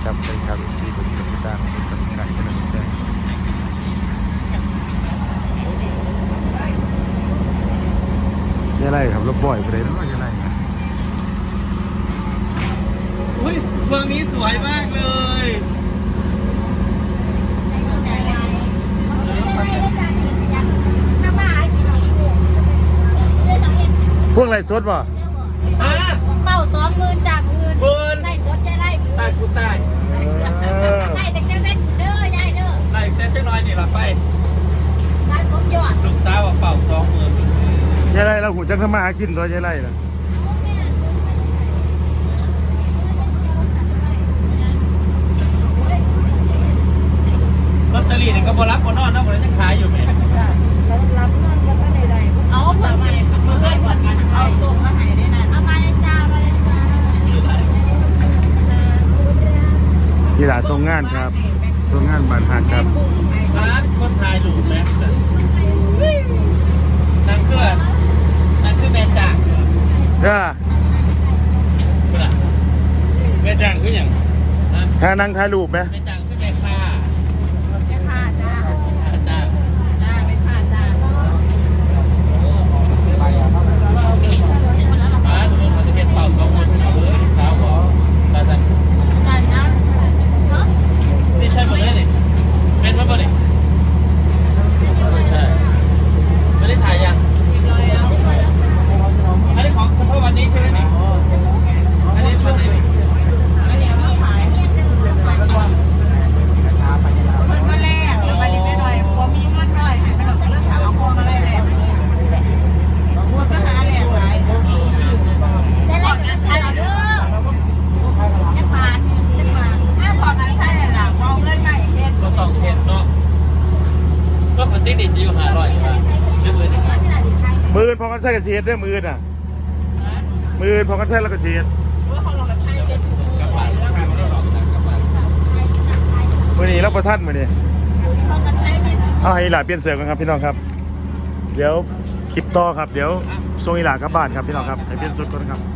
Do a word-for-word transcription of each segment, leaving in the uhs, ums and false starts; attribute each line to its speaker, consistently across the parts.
Speaker 1: ครับสวัสดีครับที่ผมเป็นผู้จ้างเป็นสำคัญเป็นผู้แจ้งยังไงครับรถบ่อยไปเลยเนาะยังไงครับ
Speaker 2: อุ้ยเมืองนี้สวยมากเลย
Speaker 1: พวกอะไรสดป่ะ
Speaker 3: เป่าสองหมื่นจากหมื่น
Speaker 2: หมื่น
Speaker 3: ไล่สดใจไล่หมื่น
Speaker 2: ตายกูตาย
Speaker 3: ไล่แต่เจ้าเว้นเด้อยายเด้อ
Speaker 2: ไล่แต่เจ้าน้อยนี่ละไป
Speaker 3: สะสมยอด
Speaker 2: ลูกสาวเป่าสองหมื่น
Speaker 1: ยังไงเราหูจังทำมาหากินตัวยังไงนะ
Speaker 2: ลอตเตอรี่นี่ก็บรับคนนอนนะคนนั้นยังขายอยู่ไหม
Speaker 3: รับนั่นก็ไม่ได้ได้เอาเปิดมาเปิดให้ผ่อนกันเอาตัวมาให้ได้นั่นเอามาเลยจ้ามาเลยจ้า
Speaker 1: ที่หลาทรงงานครับทรงงานบานหักครับ
Speaker 2: ร้านคนไทยหลูแม็กซ์นั่งเครื่องนั่งเครื่องแม่จ่าง
Speaker 1: เด้อ
Speaker 2: แม่จ่างคืออย่างนะ
Speaker 1: ถ้านั่งถ่ายรูปไหม
Speaker 2: แม่จ่างคือแม่ค่า
Speaker 3: ไม่พลาดจ้า
Speaker 2: จ้า
Speaker 3: จ้าไม่พลาดจ้า
Speaker 2: ร้านนู้นเขาจะเป็นเป่าสองหมื่นเอาเลยลูกสาวบอกตาจัน
Speaker 3: จ้าจ้า
Speaker 2: นี่ใช่หมดเลยนี่เป็นมั้ยบ่นี่ใช่ไม่ได้ถ่ายยังอันนี้ของเฉพาะวันนี้ใช่ไหมนี่อันนี้วันไหนนี่
Speaker 3: มันมาแรกมาดิไม่หน่อยพอมีเงินหน่อยให้ไม่หลอกเรื่องถามเอาพวงมาแรกเลยพวงก็หาแรกไว้ได้แรกกับชาเด้อจะผ่านจะผ่านถ้าพอนั้นใช่หลังเอาเงินมาเฮ็ด
Speaker 2: ก็ต้องเห็นเนาะก็ปกติจะอยู่หาร้อยครับจะมือหนึ่งครับ
Speaker 1: มือพอกันใช้กระเสียดด้วยมือน่ะมือพอกันใช้แล้วกระเสียด
Speaker 2: กลับบ้านกลับบ้านวันที่สองกลับบ้าน
Speaker 1: มือนี้รับประทัดมือนี้เอาให้หลาเปลี่ยนเสือกันครับพี่น้องครับเดี๋ยวคลิปต่อครับเดี๋ยวส่งอีหลากลับบ้านครับพี่น้องครับให้เปลี่ยนสุดก่อนครับ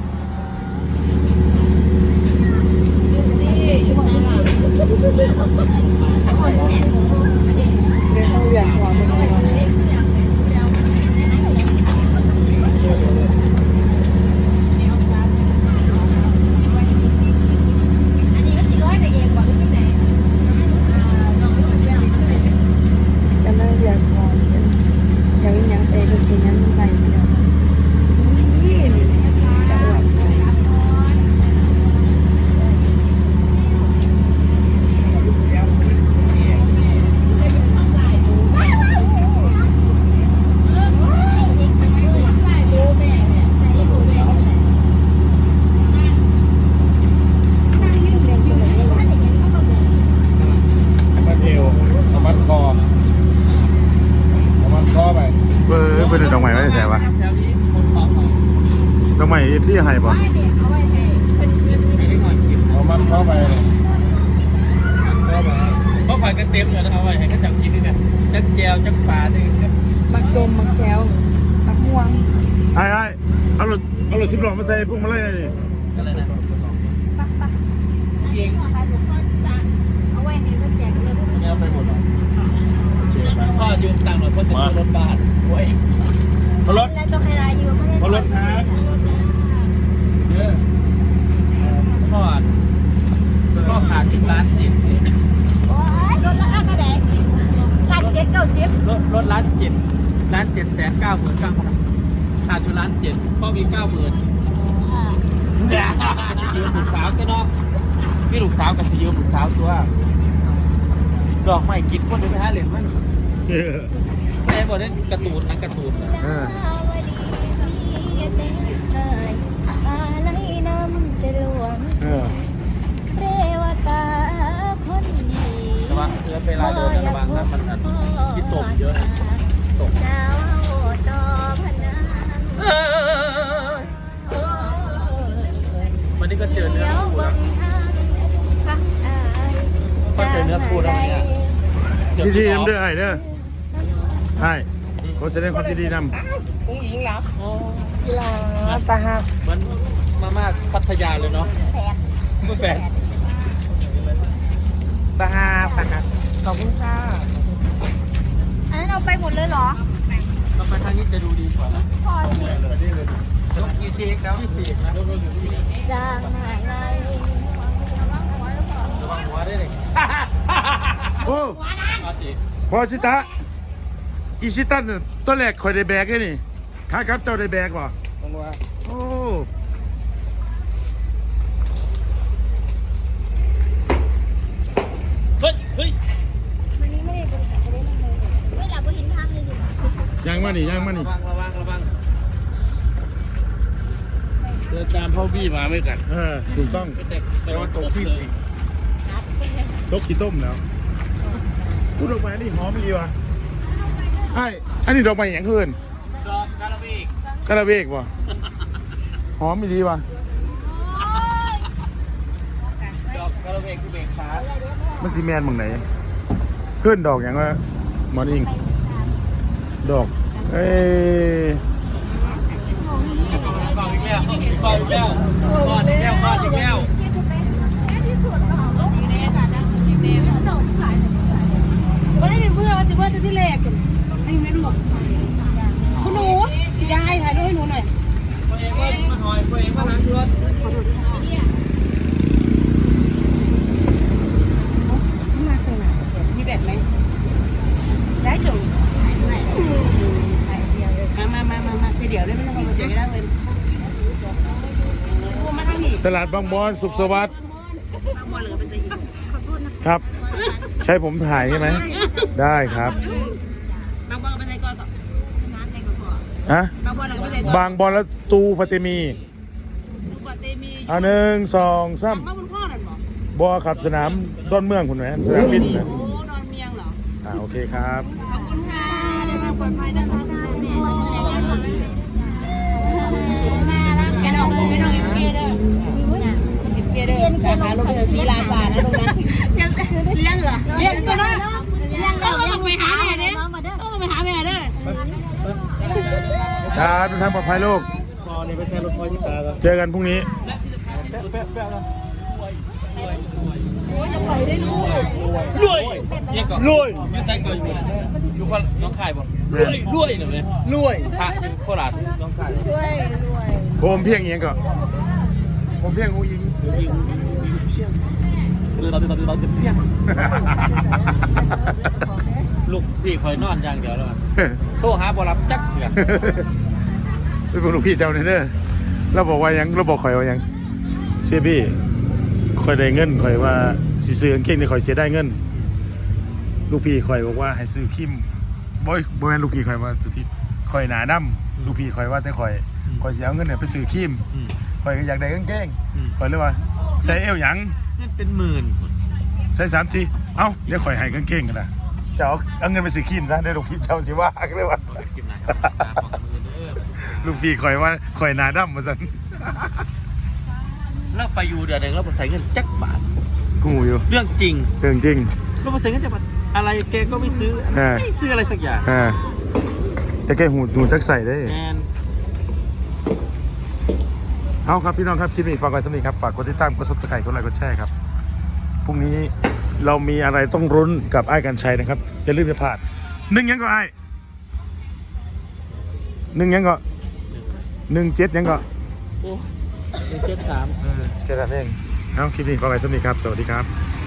Speaker 1: มัดเอวเอามัดคอเอามัดคอไปเบอร์เบอร์ดอกไม้ไว้ไหนวะดอกไม้เอฟซีให้ป่ะเอามัดคอไป
Speaker 2: เขาขายกันเต็มเลยนะเอาไว้ให้เขาจับกินนี่เนี่ยจักแจวจักปลานี่ครับ
Speaker 3: มักส้มมักแซวมักม่วง
Speaker 1: ไอ้ไอ้เอารถเอารถสิบล้อมาใส่พวกมาไล่หน่อยดิ
Speaker 2: อะไรนะ
Speaker 3: ปักปัก
Speaker 2: เอง
Speaker 3: เอาไว้ให้เขาแจกเลย
Speaker 2: ไม่เอาไปหมดพ่อยืมตังค์หน่อยเพื่อจะซื้อรถบ้านโอ้ย
Speaker 1: เอารถ
Speaker 3: แล้วต้องให้รายอยู่
Speaker 1: เอารถครับ
Speaker 2: เยอะพ่อพ่อขาดติดร้านจิต
Speaker 3: โอ้ยรถราคาเท่าไหร่ล้านเจ็ดเก้าสิบ
Speaker 2: รถรถร้านจิตร้านเจ็ดแสนเก้าหมื่นเก้าพันขาดอยู่ร้านเจ็ดพ่อมีเก้าหมื่นเนี่ยยืมลูกสาวก็เนาะพี่ลูกสาวกับสิยืมลูกสาวตัวดอกไม้กินคนเดียวไปหาเหรียญมันแม่บอกได้การ์ตูนนักการ์ตูน
Speaker 1: เออ
Speaker 3: อะไรน้ำจะหลวง
Speaker 1: เออ
Speaker 3: เทวตาคนดี
Speaker 2: ระวังเพื่อเวลาเดินระวังนะมันที่ตกเยอะตก
Speaker 3: เจ้าต่อพนัน
Speaker 2: วันนี้ก็เจอเนื้อคู่แล้วก็เจอเนื้อคู่แล้วเนี่ย
Speaker 1: ดีดีน้ำเด้อไอ้เด้อไอ้ขอแสดงความยินดีนำ
Speaker 2: กุ้งอิงเหรอโอ้
Speaker 3: กีฬาตาหัก
Speaker 2: มันมาม่าพัทยาเลยเนาะ
Speaker 3: แผด
Speaker 2: ไม่แฝงตาฮาปะครับขอบคุณค่ะ
Speaker 3: อันนั้นเอาไปหมดเลยเหรอ
Speaker 2: เราไปทางนี้จะดูดีกว่านะ
Speaker 3: พอสิ
Speaker 2: ยกกี่ซีกแล้วกี่ซีกนะ
Speaker 3: จางหายใน
Speaker 2: ระวังหัวได้เลย
Speaker 1: โอ้
Speaker 2: เอาสิ
Speaker 1: พอชิตะอีชิตันน่ะตัวแรกคอยได้แบกเลยนี่ข้าครับเจ้าได้แบกป่ะ
Speaker 2: ลงว่า
Speaker 1: โอ้
Speaker 2: เฮ้ยเฮ้ย
Speaker 3: วันนี้ไม่ได้บริษัทไม่ได้ทำเลยเวลาบริษัททางเลยอยู่
Speaker 1: ยังมานี่ยังมานี่
Speaker 2: ระวังระวังระวังเดินตามพ่อบี้มาไม่กัด
Speaker 1: เออถูกต้อง
Speaker 2: แต่แต่ว่าตกที่สิ
Speaker 1: โต๊ะขี้ต้มแล้วพูดออกมานี่หอมดีว่ะไอ้อันนี้ดอกไม้อย่างคืน
Speaker 2: ดอกกาลาบีก
Speaker 1: กระเบกว่ะหอมดีว่ะ
Speaker 2: ดอกกาลาบีกคือเบกขา
Speaker 1: มันซีแมนมึงไหนเพื่อนดอกอย่างว่าหมอนอิงดอกเอ้ย
Speaker 2: ก่อนอีกแล้วก่อนอีกแล้วก่อนอีกแล้วก่อนอีกแล้ว
Speaker 4: ว่าได้เบื่อว่าจะเบื่อจะที่แรกให้แม่หมดคุณหนูยายถ่ายรูปให้หนูหน่อย
Speaker 2: ตัวเองว่ามาหอยตัวเองมาล้างรถ
Speaker 4: มาตรงไหนมีแบบไหมได้จุ๋มมามามามาเดี๋ยวได้ไม่ต้องมาเสียก็ได้เลยมาทางนี้
Speaker 1: ตลาดบางบอนสุขสวัสดิ์
Speaker 4: บางวันเหลือเป็นตะยิบ
Speaker 1: ครับ ใช่ผมถ่ายใช่ไหมได้ครับ
Speaker 4: บางวันเป็นตะกอนต่อ
Speaker 1: ฮะ
Speaker 4: บางวันเหลือเป็นตะกอน
Speaker 1: บางบอลแล้วตูปฏิมี
Speaker 4: ดูปฏิมี
Speaker 1: อันหนึ่งสองสาม
Speaker 4: มาบนพ่อนั่นบอก
Speaker 1: บอขับสนามต้นเมืองคุณไหมสนามบินนะ
Speaker 4: โอ้นอนเมียงเหรอ
Speaker 1: อ่าโอเคครับ
Speaker 4: ขอบคุณค่ะเดินทางปลอดภัยนะคะแกน้องไม่น้องเอ็มเคเด้อเอ็มเคเด้อสาขาโรงเรียนศรีราชานะตรงนั้นยังเลี้ยงเหรอเลี้ยงตัวน้อยต้องลงไปหาแม่เด้ต้องลงไปหาแม่เด้อ
Speaker 1: ครับทุกท่านปลอดภัยลูก
Speaker 2: พอนี่ไปแช่รถพอยที่ตาแล้ว
Speaker 1: เจอกันพรุ่งนี้
Speaker 2: แป๊บแป๊บแป๊บแล้ว
Speaker 4: รวย
Speaker 2: ยังก่อนรวยยูไซก่อนอยู่อยู่คนน้องขายบ่รวยรวยหน่อยไหมรวยพระอยู่โคราชน้องขาย
Speaker 1: ผมเพียงเอียงก็ผมเพียงหูยิง
Speaker 2: คือเราเราเราจะเพี้ยงลูกพี่คอยนอนอย่างเดียวแล้วโทรหาบอรับจักเถื่อน
Speaker 1: เป็นพวกลูกพี่เจ้าเนี่ยเด้อเราบอกว่ายังเราบอกข่อยว่ายังเสียพี่ข่อยได้เงินข่อยว่าสิซื้อกางเกงนี่ข่อยเสียได้เงิน ลูกพี่ข่อยบอกว่าให้ซื้อคิมบ่อยบ่แม่นลูกพี่ข่อยว่าสุดที่ข่อยหนาดำลูกพี่ข่อยว่าแต่ข่อยข่อยสิเอาเงินเนี่ยไปซื้อคิมข่อยก็อยากได้กางเกงข่อยเลยว่าใส่เอวหยัง
Speaker 2: นี่เป็นหมื่น
Speaker 1: ใส่สามสี่เอ้าเดี๋ยวข่อยให้กางเกงกันนะจะเอาเอาเงินไปซื้อคิมซะเดี๋ยวลูกพี่เจ้าสิว่าเลยว่า
Speaker 2: กินไหนครับของมือเด้อ
Speaker 1: ลูกพี่ข่อยว่าข่อยหนาดำมาสั่น
Speaker 2: แล้วไปอยู่เดือนหนึ่งแล้วไปใส่เงินจักบาท
Speaker 1: กูอยู่
Speaker 2: เรื่องจริง
Speaker 1: เรื่องจริง
Speaker 2: เราไปใส่เงินจักบาทอะไรแกก็ไม่ซื้อไม่ซื้ออะไรสักอย่าง
Speaker 1: อ่าแต่แกหูหูจักใส่ได้
Speaker 2: แอน
Speaker 1: เอาครับพี่น้องครับคลิปนี้ฝากไว้สำหรับนี้ครับฝากกดติดตามกดซับสไครต์กดไลค์กดแชร์ครับพรุ่งนี้เรามีอะไรต้องรุ้นกับไอ้ายกันชัยนะครับอย่าลืมจะพลาดหนึ่งยังก็ไอ้ายหนึ่งยังก็หนึ่งเจ็ดยังก็
Speaker 2: โอ้เจ็ดสาม
Speaker 1: แค่นั้นเองเอาคลิปนี้ฝากไว้สำหรับนี้ครับสวัสดีครับ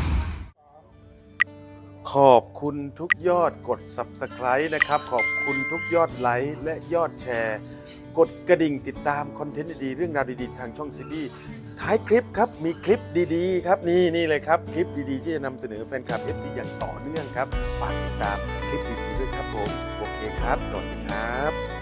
Speaker 1: ขอบคุณทุกยอดกด ซับสไครบ์ นะครับขอบคุณทุกยอดไลค์และยอดแชร์กดกระดิ่งติดตามคอนเทนต์ดีๆเรื่องราวดีๆทางช่องซีบีท้ายคลิปครับมีคลิปดีๆครับนี่นี่เลยครับคลิปดีๆที่จะนำเสนอแฟนคลับ เอฟ ซี อย่างต่อเนื่องครับฝากติดตามคลิปดีๆด้วยครับผมโอเคครับสวัสดีครับ